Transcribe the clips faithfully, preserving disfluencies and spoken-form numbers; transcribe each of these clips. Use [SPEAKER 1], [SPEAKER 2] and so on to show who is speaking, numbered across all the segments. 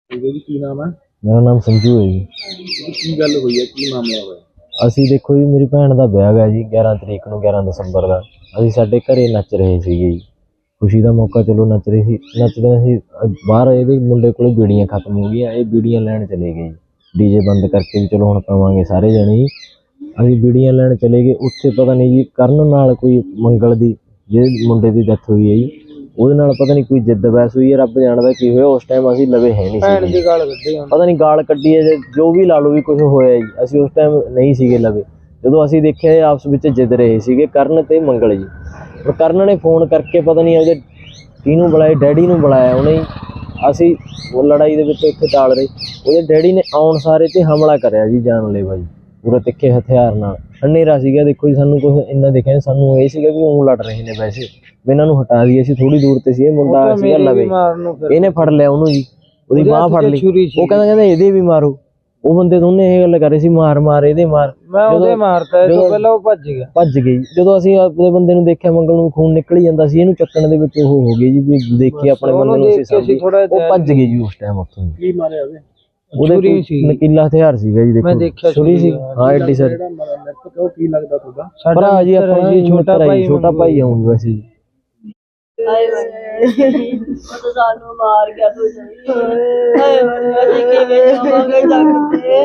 [SPEAKER 1] जी की नाम है?
[SPEAKER 2] मेरा नाम संजू है जी।
[SPEAKER 1] की गल हुई है, की मामला होया?
[SPEAKER 2] ਅਸੀਂ ਦੇਖੋ ਜੀ, ਮੇਰੀ ਭੈਣ ਦਾ ਵਿਆਹ ਗਾ ਜੀ ਗਿਆਰਾਂ ਤਰੀਕ ਨੂੰ, ਗਿਆਰਾਂ ਦਸੰਬਰ ਦਾ। ਅਸੀਂ ਸਾਡੇ ਘਰੇ ਨੱਚ ਰਹੇ ਸੀਗੇ ਜੀ, ਖੁਸ਼ੀ ਦਾ ਮੌਕਾ, ਚਲੋ ਨੱਚ ਰਹੇ ਸੀ। ਨੱਚਦੇ ਸੀ ਬਾਹਰ, ਇਹਦੇ ਮੁੰਡੇ ਕੋਲ ਬੀੜੀਆਂ ਖਤਮ ਹੋ ਗਈਆਂ, ਇਹ ਬੀੜੀਆਂ ਲੈਣ ਚਲੇ ਗਏ ਜੀ, ਡੀਜੇ ਬੰਦ ਕਰਕੇ ਵੀ ਚਲੋ ਹੁਣ ਪਾਵਾਂਗੇ ਸਾਰੇ ਜਣੇ ਜੀ। ਅਸੀਂ ਬੀੜੀਆਂ ਲੈਣ ਚਲੇ ਗਏ, ਉੱਥੇ ਪਤਾ ਨਹੀਂ ਜੀ ਕਰਨ ਨਾਲ ਕੋਈ ਮੰਗਲ ਦੀ, ਜਿਹੜੇ ਮੁੰਡੇ ਦੀ ਡੈਥ ਹੋਈ ਹੈ ਜੀ, ਉਹਦੇ ਨਾਲ ਪਤਾ ਨਹੀਂ ਕੋਈ ਜਿੱਦ ਬਹਿਸ ਹੋਈ ਹੈ, ਰੱਬ ਜਾਣਦਾ ਕੀ ਹੋਇਆ। ਉਸ ਟਾਈਮ ਅਸੀਂ ਲਵੇ ਹੈ ਨਹੀਂ ਸੀ, ਪਤਾ ਨਹੀਂ ਗਾਲ ਕੱਢੀ ਹੈ, ਜੋ ਵੀ ਲਾ ਲਓ ਵੀ ਕੁਛ ਹੋਇਆ ਜੀ, ਅਸੀਂ ਉਸ ਟਾਈਮ ਨਹੀਂ ਸੀਗੇ ਲਵੇ। ਜਦੋਂ ਅਸੀਂ ਦੇਖਿਆ ਆਪਸ ਵਿੱਚ ਜਿੱਦ ਰਹੇ ਸੀਗੇ ਕਰਨ ਤੇ ਮੰਗਲ ਜੀ। ਪਰ ਕਰਨ ਨੇ ਫੋਨ ਕਰਕੇ ਪਤਾ ਨਹੀਂ ਉਹਦੇ ਕਿਹਨੂੰ ਬੁਲਾਇਆ, ਡੈਡੀ ਨੂੰ ਬੁਲਾਇਆ ਉਹਨੇ। ਅਸੀਂ ਉਹ ਲੜਾਈ ਦੇ ਵਿੱਚ ਉੱਥੇ ਟਾਲ ਰਹੇ, ਉਹਦੇ ਡੈਡੀ ਨੇ ਆਉਣ ਸਾਰੇ ਤੇ ਹਮਲਾ ਕਰਿਆ ਜੀ, ਜਾਨਲੇਵਾ ਜੀ, ਪੂਰਾ ਤਿੱਖੇ ਹਥਿਆਰ ਨਾਲ। ਹਨੇਰਾ ਸੀਗਾ ਦੇਖੋ ਜੀ, ਸਾਨੂੰ ਕੁਛ ਇੰਨਾ ਦਿਖਿਆ ਨਹੀਂ, ਸਾਨੂੰ ਇਹ ਸੀਗਾ ਵੀ ਉਹ ਲੜ ਰਹੇ ਨੇ ਵੈਸੇ, ਵੀ ਇਹਨਾਂ ਨੂੰ ਹਟਾ ਦਈਏ। ਅਸੀਂ ਥੋੜੀ ਦੂਰ ਤੇ ਸੀ, ਇਹ ਮੁੰਡਾ ਸੀਗਾ ਲਵੇ, ਇਹਨੇ ਫੜ ਲਿਆ ਉਹਨੂੰ ਜੀ, ਉਹਦੀ ਬਾਂਹ ਫੜ ਲਈ। ਉਹ ਕਹਿੰਦਾ ਕਹਿੰਦਾ ਇਹਦੇ ਵੀ ਮਾਰੋ। ਉਹ ਬੰਦੇ ਦੋਨੇ ਇਹ ਗੱਲ ਕਰ ਰਹੇ ਸੀ, ਮਾਰ ਮਾਰ ਇਹਦੇ ਮਾਰ,
[SPEAKER 3] ਉਹਦੇ ਮਾਰਤਾ, ਇਹ ਤੋਂ ਪਹਿਲਾਂ ਉਹ ਭੱਜ ਗਿਆ
[SPEAKER 2] ਭੱਜ ਗਈ। ਜਦੋਂ ਅਸੀਂ ਆਪਣੇ ਬੰਦੇ ਨੂੰ ਦੇਖਿਆ, ਮੰਗਲ ਨੂੰ ਖੂਨ ਨਿਕਲ ਜਾਂਦਾ ਸੀ, ਇਹਨੂੰ ਚੱਕਣ ਦੇ ਵਿੱਚ ਉਹ ਹੋ ਗਈ ਜੀ, ਵੀ ਦੇਖੀ ਆਪਣੇ ਬੰਦੇ ਨੂੰ ਅਸੀਂ, ਉਹ ਭੱਜ ਗਈ ਜੀ ਉਸ ਟਾਈਮ ਉੱਥੋਂ।
[SPEAKER 1] ਕੀ ਮਾਰਿਆ ਉਹਦੇ?
[SPEAKER 2] ਉਹਦੇ ਨਕੀਲਾ ਹਥਿਆਰ ਸੀਗਾ ਜੀ, ਦੇਖੋ ਛੁਰੀ ਸੀ। ਹਾਂ ਐਡੀ ਸਰ,
[SPEAKER 1] ਉਹ ਕੀ ਲੱਗਦਾ ਤੁਹਾਡਾ?
[SPEAKER 2] ਭਰਾ ਜੀ ਆਪਣਾ ਜੀ, ਛੋਟਾ ਭਾਈ, ਛੋਟਾ ਭਾਈ ਆਉਂ ਵੈਸੇ ਜੀ।
[SPEAKER 4] ਹਾਏ ਉਹ ਸਾਨੂੰ ਮਾਰ ਗਿਆ ਤੂੰ ਸਹੀ। ਹਾਏ ਅਸੀਂ ਕਿਵੇਂ ਜਾਵਾਂਗੇ ਡਾਕਟਰ?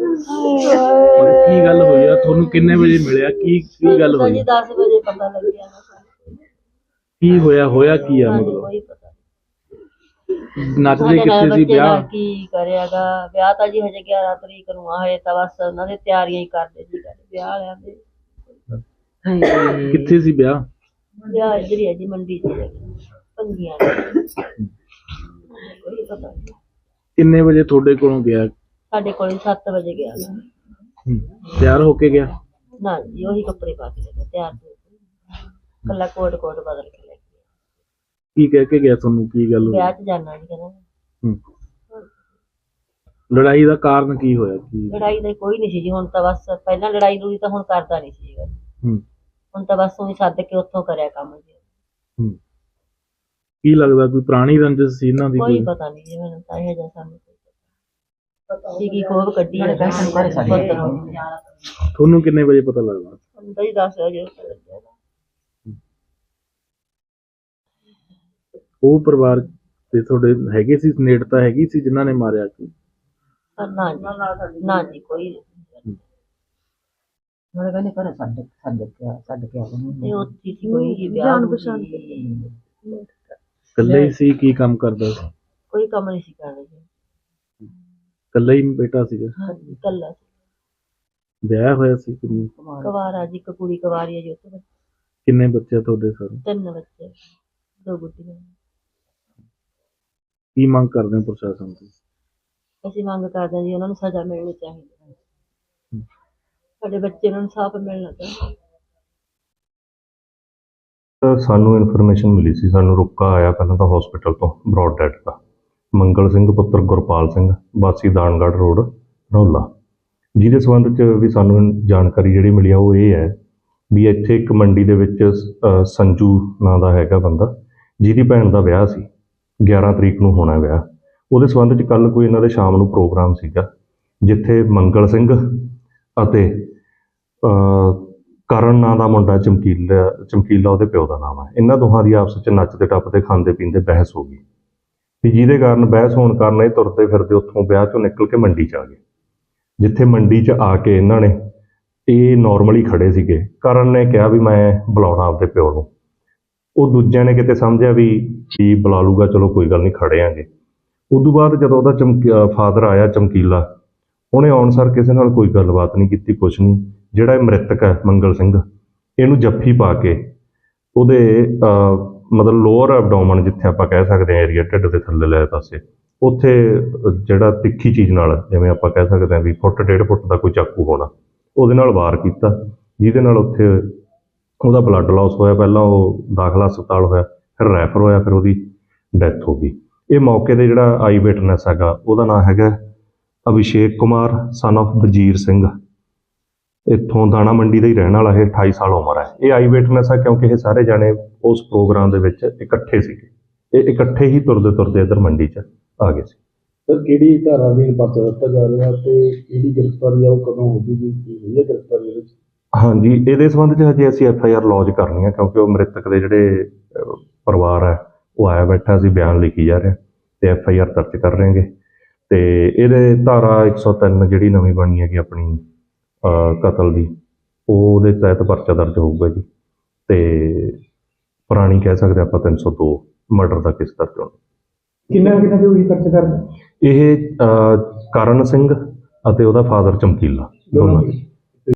[SPEAKER 1] ਕੀ ਗੱਲ ਹੋਈ ਆ? ਤੁਹਾਨੂੰ ਕਿੰਨੇ ਵਜੇ ਮਿਲਿਆ? ਕੀ ਕੀ ਗੱਲ ਹੋਈ?
[SPEAKER 4] ਦਸ ਵਜੇ ਪਤਾ ਲੱਗਿਆ ਨਾ।
[SPEAKER 1] ਕੀ ਹੋਇਆ? ਹੋਇਆ ਕੀ ਆ? ਮਤਲਬ
[SPEAKER 4] ਕੋਈ ਪਤਾ
[SPEAKER 1] ਨੱਚਦੇ ਕਿੱਥੇ ਸੀ? ਵਿਆਹ
[SPEAKER 4] ਕੀ ਕਰਿਆਗਾ? ਵਿਆਹ ਤਾਂ ਜੀ ਹਜੇ ਗਿਆਰਾਂ ਤਰੀਕ ਨੂੰ ਆ, ਹਜੇ ਤਾਂ ਬਸ ਉਹਨਾਂ ਦੇ ਤਿਆਰੀਆਂ ਹੀ ਕਰਦੇ ਸੀ ਵਿਆਹ ਵਾਲਿਆਂ ਦੇ।
[SPEAKER 1] ਕਿੱਥੇ ਸੀ ਵਿਆਹ?
[SPEAKER 4] ਵਿਆਹ ਇੱਧਰ ਹੀ ਹੈ ਜੀ, ਮੰਡੀ ਚ ਭੰਗੀਆਂ। ਕੋਈ ਪਤਾ ਨਹੀਂ
[SPEAKER 1] ਕਿੰਨੇ ਵਜੇ ਤੁਹਾਡੇ ਕੋਲੋਂ ਗਿਆ?
[SPEAKER 4] ਸਾਡੇ ਕੋਲ ਸੱਤ ਵਜੇ ਗਿਆ।
[SPEAKER 1] ਤਿਆਰ ਹੋ ਕੇ ਗਿਆ?
[SPEAKER 4] ਨਾ ਜੀ ਉਹੀ ਕੱਪੜੇ ਪਾ ਕੇ ਗਿਆ, ਤਿਆਰ ਹੋ ਕੇ ਕੱਲਾ ਕੋਟ ਕੋਟ ਬਦਲ ਕੇ ਲੈ ਗਿਆ।
[SPEAKER 1] ਕੀ ਕਹਿ ਕੇ ਗਿਆ ਤੁਹਾਨੂੰ? ਕੀ ਗੱਲ ਹੋਈ?
[SPEAKER 4] ਵਿਆਹ ਚ ਜਾਣਾ ਜੀ ਕਹਿੰਦਾ।
[SPEAKER 1] ਲੜਾਈ ਦਾ ਕਾਰਨ ਕੀ ਹੋਇਆ? ਕੀ
[SPEAKER 4] ਲੜਾਈ ਦਾ ਕੋਈ ਨਹੀਂ ਸੀ ਜੀ, ਹੁਣ ਤਾਂ ਬਸ ਪਹਿਲਾਂ ਲੜਾਈ ਲੜੀ ਤਾਂ ਹੁਣ ਕਰਦਾ ਨਹੀਂ ਸੀਗਾ।
[SPEAKER 1] ਹੂੰ
[SPEAKER 4] ਹੁਣ ਤਾਂ ਬਸ ਉਹੀ ਸੱਦ ਕੇ ਉੱਥੋਂ ਕਰਿਆ ਕੰਮ ਜੀ।
[SPEAKER 1] ਹੂੰ ਕੀ ਲੱਗਦਾ ਕੋਈ ਪੁਰਾਣੀ ਰੰਜਿਸ਼ ਸੀ ਇਹਨਾਂ ਦੀ?
[SPEAKER 4] ਕੋਈ ਪਤਾ ਨਹੀਂ ਜੀ, ਮੈਨੂੰ ਤਾਂ ਇਹ ਜਿਹਾ ਸਾਨੂੰ ਪਤਾ ਸੀ ਕੀ ਖੋਬ ਕੱਢੀ ਹੈ।
[SPEAKER 1] ਤੁਹਾਨੂੰ ਕਿੰਨੇ ਵਜੇ ਪਤਾ ਲੱਗਦਾ?
[SPEAKER 4] ਹੁੰਦਾ ਹੀ ਦਸ ਵਜੇ ਲੱਗਿਆ।
[SPEAKER 1] ਉਹ ਪਰਿਵਾਰ ਤੇ ਤੁਹਾਡੇ ਹੈਗੇ ਸੀ, ਨੇੜਤਾ ਹੈਗੀ ਸੀ ਜਿਨ੍ਹਾਂ ਨੇ ਮਾਰਿਆ? ਕੀ
[SPEAKER 4] ਨਾ ਜੀ ਨਾ ਜੀ ਕੋਈ
[SPEAKER 3] ਮੇਰੇ ਕਹਿੰਦੇ ਘਰੇ ਛੱਡ ਛੱਡ ਕੇ ਛੱਡ ਕੇ ਆ
[SPEAKER 4] ਤੇ ਉੱਥੇ ਸੀ ਕੋਈ ਜੀ ਵਿਆਹ ਪਛਾਣ
[SPEAKER 1] ਇਕੱਲਾ ਹੀ ਸੀ? ਕੀ ਕੰਮ ਕਰਦਾ ਸੀ?
[SPEAKER 4] ਕੋਈ ਕੰਮ ਨਹੀਂ ਸੀ ਕਰਦਾ ਜੀ,
[SPEAKER 1] ਇਕੱਲਾ ਹੀ ਬੇਟਾ ਸੀਗਾ?
[SPEAKER 4] ਹਾਂਜੀ ਇਕੱਲਾ ਸੀ।
[SPEAKER 1] ਵਿਆਹ ਹੋਇਆ ਸੀ? ਕਿੰਨੀ
[SPEAKER 4] ਕੁਵਾਰਾ ਜੀ, ਇੱਕ ਕੁੜੀ ਕੁਵਾਰੀ ਹੈ ਜੀ ਉੱਥੇ।
[SPEAKER 1] ਕਿੰਨੇ ਬੱਚੇ ਤੁਹਾਡੇ? ਸਾਰੇ
[SPEAKER 4] ਤਿੰਨ ਬੱਚੇ, ਦੋ ਗੁੱਡੀਆਂ।
[SPEAKER 1] ਕੀ ਮੰਗ ਕਰਦੇ ਹੋ ਪ੍ਰਸ਼ਾਸਨ ਤੋਂ?
[SPEAKER 4] ਅਸੀਂ ਮੰਗ ਕਰਦੇ ਹਾਂ ਜੀ ਉਹਨਾਂ ਨੂੰ ਸਜ਼ਾ ਮਿਲਣੀ ਚਾਹੀਦੀ ਹੈ, ਸਾਡੇ ਬੱਚੇ ਨੂੰ ਇਨਸਾਫ ਮਿਲਣਾ ਚਾਹੀਦਾ।
[SPEAKER 5] ਸਾਨੂੰ ਇਨਫੋਰਮੇਸ਼ਨ ਮਿਲੀ ਸੀ, ਸਾਨੂੰ ਰੁਕਾ ਆਇਆ ਪਹਿਲਾਂ ਤਾਂ ਹਸਪੀਟਲ ਤੋਂ ਬਰੌਡ ਡੈਡ ਦਾ, ਮੰਗਲ ਸਿੰਘ ਪੁੱਤਰ ਗੁਰਪਾਲ ਸਿੰਘ ਵਾਸੀ ਦਾਨਗੜ੍ਹ ਰੋਡ ਰੌਲਾ, ਜਿਹਦੇ ਸੰਬੰਧ 'ਚ ਵੀ ਸਾਨੂੰ ਜਾਣਕਾਰੀ ਜਿਹੜੀ ਮਿਲੀ ਆ ਉਹ ਇਹ ਹੈ ਵੀ ਇੱਥੇ ਇੱਕ ਮੰਡੀ ਦੇ ਵਿੱਚ ਸੰਜੂ ਨਾਂ ਦਾ ਹੈਗਾ ਬੰਦਾ, ਜਿਹਦੀ ਭੈਣ ਦਾ ਵਿਆਹ ਸੀ, ਗਿਆਰਾਂ ਤਰੀਕ ਨੂੰ ਹੋਣਾ ਵਿਆਹ। ਉਹਦੇ ਸੰਬੰਧ 'ਚ ਕੱਲ੍ਹ ਕੋਈ ਇਹਨਾਂ ਦੇ ਸ਼ਾਮ ਨੂੰ ਪ੍ਰੋਗਰਾਮ ਸੀਗਾ, ਜਿੱਥੇ ਮੰਗਲ ਸਿੰਘ ਅਤੇ ਕਰਨ ਨਾਂ ਦਾ ਮੁੰਡਾ, ਚਮਕੀਲਾ ਚਮਕੀਲਾ ਉਹਦੇ ਪਿਓ ਦਾ ਨਾਮ ਹੈ, ਇਹਨਾਂ ਦੋਹਾਂ ਦੀ ਆਪਸ 'ਚ ਨੱਚਦੇ ਟੱਪਦੇ ਖਾਂਦੇ ਪੀਂਦੇ ਬਹਿਸ ਹੋ ਗਈ ਤੇ ਜਿਹਦੇ ਕਾਰਨ ਬਹਿਸ ਹੋਣ ਕਾਰਨ ਇਹ ਤੁਰਦੇ ਫਿਰਦੇ ਉੱਥੋਂ ਵਿਆਹ 'ਚੋਂ ਨਿਕਲ ਕੇ ਮੰਡੀ 'ਚ ਆ ਗਏ। ਜਿੱਥੇ ਮੰਡੀ 'ਚ ਆ ਕੇ ਇਹਨਾਂ ਨੇ, ਇਹ ਨੋਰਮਲੀ ਖੜੇ ਸੀਗੇ, ਕਰਨ ਨੇ ਕਿਹਾ ਵੀ ਮੈਂ ਬੁਲਾਉਣਾ ਆਪਦੇ ਪਿਓ ਨੂੰ। ਉਹ ਦੂਜਿਆਂ ਨੇ ਕਿਤੇ ਸਮਝਿਆ ਵੀ ਕੀ ਬੁਲਾ ਲੂਗਾ, ਚਲੋ ਕੋਈ ਗੱਲ ਨਹੀਂ ਖੜੇ ਆਂਗੇ। ਉਦੋਂ ਬਾਅਦ ਜਦੋਂ ਉਹਦਾ ਚਮਕੀ ਫਾਦਰ ਆਇਆ ਚਮਕੀਲਾ, ਉਹਨੇ ਆਉਣ ਸਾਰ ਕਿਸੇ ਨਾਲ ਕੋਈ ਗੱਲਬਾਤ ਨਹੀਂ ਕੀਤੀ, ਕੁਛ ਨਹੀਂ। ਜਿਹੜਾ ਇਹ ਮ੍ਰਿਤਕ ਹੈ ਮੰਗਲ ਸਿੰਘ, ਇਹਨੂੰ ਜੱਫੀ ਪਾ ਕੇ ਉਹਦੇ ਮਤਲਬ ਲੋਅਰ ਐਬਡੋਮਨ, ਜਿੱਥੇ ਆਪਾਂ ਕਹਿ ਸਕਦੇ ਹਾਂ ਏਰੀਆ ਢਿੱਡ ਦੇ ਥੱਲੇ ਲੈ ਪਾਸੇ, ਉੱਥੇ ਜਿਹੜਾ ਤਿੱਖੀ ਚੀਜ਼ ਨਾਲ, ਜਿਵੇਂ ਆਪਾਂ ਕਹਿ ਸਕਦੇ ਹਾਂ ਵੀ ਫੁੱਟ ਡੇਢ ਫੁੱਟ ਦਾ ਕੋਈ ਚਾਕੂ ਹੋਣਾ, ਉਹਦੇ ਨਾਲ ਵਾਰ ਕੀਤਾ, ਜਿਹਦੇ ਨਾਲ ਉੱਥੇ ਉਹਦਾ ਬਲੱਡ ਲਾਸ ਹੋਇਆ। ਪਹਿਲਾਂ ਉਹ ਦਾਖਲਾ ਹਸਪਤਾਲ ਹੋਇਆ, ਫਿਰ ਰੈਫਰ ਹੋਇਆ, ਫਿਰ ਉਹਦੀ ਡੈਥ ਹੋ ਗਈ। ਇਹ ਮੌਕੇ 'ਤੇ ਜਿਹੜਾ ਆਈ ਵਿਟਨੈਸ ਹੈਗਾ, ਉਹਦਾ ਨਾਂ ਹੈਗਾ ਅਭਿਸ਼ੇਕ ਕੁਮਾਰ ਸਨ ਆਫ ਵਜੀਰ ਸਿੰਘ, ਇੱਥੋਂ ਦਾਣਾ ਮੰਡੀ ਦਾ ਹੀ ਰਹਿਣ ਵਾਲਾ। ਇਹ ਅਠਾਈ ਸਾਲ ਉਮਰ ਹੈ। ਇਹ ਆਈ ਵਿਟਨੈਸ ਹੈ ਕਿਉਂਕਿ ਇਹ ਸਾਰੇ ਜਾਣੇ ਉਸ ਪ੍ਰੋਗਰਾਮ ਦੇ ਵਿੱਚ ਇਕੱਠੇ ਸੀਗੇ, ਇਹ ਇਕੱਠੇ ਹੀ ਤੁਰਦੇ ਤੁਰਦੇ ਇੱਧਰ ਮੰਡੀ 'ਚ ਆ ਗਏ ਸੀ।
[SPEAKER 1] ਸਰ ਕਿਹੜੀ ਧਾਰਾ ਅਧੀਨ ਪਰਚਾ ਦਿੱਤਾ ਜਾ ਰਿਹਾ ਤੇ ਕਿਹੜੀ ਗ੍ਰਿਫਤਾਰੀ ਆ ਉਹ ਕਦੋਂ ਹੋ ਜੂਗੀ, ਕੀ ਹੋਈ ਹੈ ਗ੍ਰਿਫਤਾਰੀ ਇਹਦੇ ਵਿੱਚ?
[SPEAKER 5] ਹਾਂਜੀ, ਇਹਦੇ ਸੰਬੰਧ 'ਚ ਹਜੇ ਅਸੀਂ ਐਫ ਆਈ ਆਰ ਲੌਜ ਕਰਨੀ ਹੈ, ਕਿਉਂਕਿ ਉਹ ਮ੍ਰਿਤਕ ਦੇ ਜਿਹੜੇ ਅਹ, ਪਰਿਵਾਰ ਹੈ ਉਹ ਆਇਆ ਬੈਠਾ ਸੀ, ਬਿਆਨ ਲਿਖੀ ਜਾ ਰਿਹਾ ਤੇ ਐਫ ਆਈ ਆਰ ਦਰਜ ਕਰ ਰਹੇ ਹਾਂ। ਤੇ ਇਹਦੇ ਧਾਰਾ ਇੱਕ ਸੌ ਤਿੰਨ ਜਿਹੜੀ ਨਵੀਂ ਬਣੀ ਹੈਗੀ ਆਪਣੀ ਅਹ, ਕਤਲ ਦੀ, ਉਹ ਉਹਦੇ ਤਹਿਤ ਪਰਚਾ ਦਰਜ ਹੋਊਗਾ ਜੀ। ਤੇ ਪੁਰਾਣੀ ਕਹਿ ਸਕਦੇ ਆਪਾਂ ਤਿੰਨ ਸੌ ਦੋ ਮਰਡਰ ਦਾ ਕੇਸ ਦਰਜ ਹੋਣਾ।
[SPEAKER 1] ਕਿੰਨਾ ਕਿੰਨਾ ਦੇ ਹੋਈ ਖਰਚ ਕਰਦੇ
[SPEAKER 5] ਇਹ ਅਹ, ਕਰਨ ਸਿੰਘ ਅਤੇ ਉਹਦਾ ਫਾਦਰ ਚਮਕੀਲਾ ਦੋਨਾਂ ਦੀ।